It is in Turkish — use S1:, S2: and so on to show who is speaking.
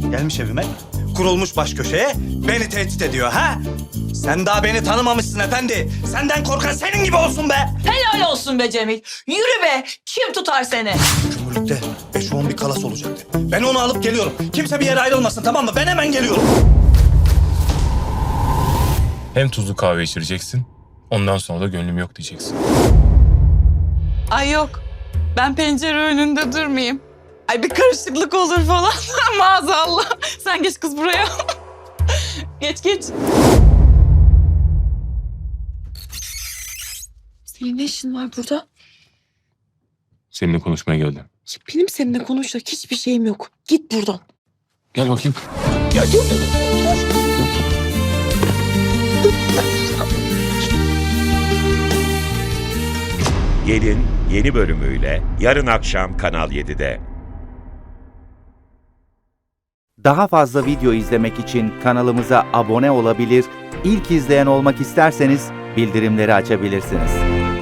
S1: Gelmiş evime, kurulmuş baş köşeye beni tehdit ediyor ha? Sen daha beni tanımamışsın efendi. Senden korkan senin gibi olsun be.
S2: Helal olsun be Cemil. Yürü be. Kim tutar seni?
S1: Cumhuriyet'te 5-10 bir kalas olacaktı. Ben onu alıp geliyorum. Kimse bir yere ayrılmasın, tamam mı? Ben hemen geliyorum.
S3: Hem tuzlu kahve içireceksin, ondan sonra da gönlüm yok diyeceksin.
S4: Ay yok. Ben pencere önünde durmayayım. Ay bir karışıklık olur falan. Maazallah. Sen geç kız buraya. Geç.
S5: Senin ne işin var burada?
S3: Seninle konuşmaya geldim.
S5: Benim seninle konuşacak hiçbir şeyim yok. Git buradan.
S3: Gel bakayım.
S6: Gelin yeni bölümüyle yarın akşam Kanal 7'de.
S7: Daha fazla video izlemek için kanalımıza abone olabilir, ilk izleyen olmak isterseniz bildirimleri açabilirsiniz.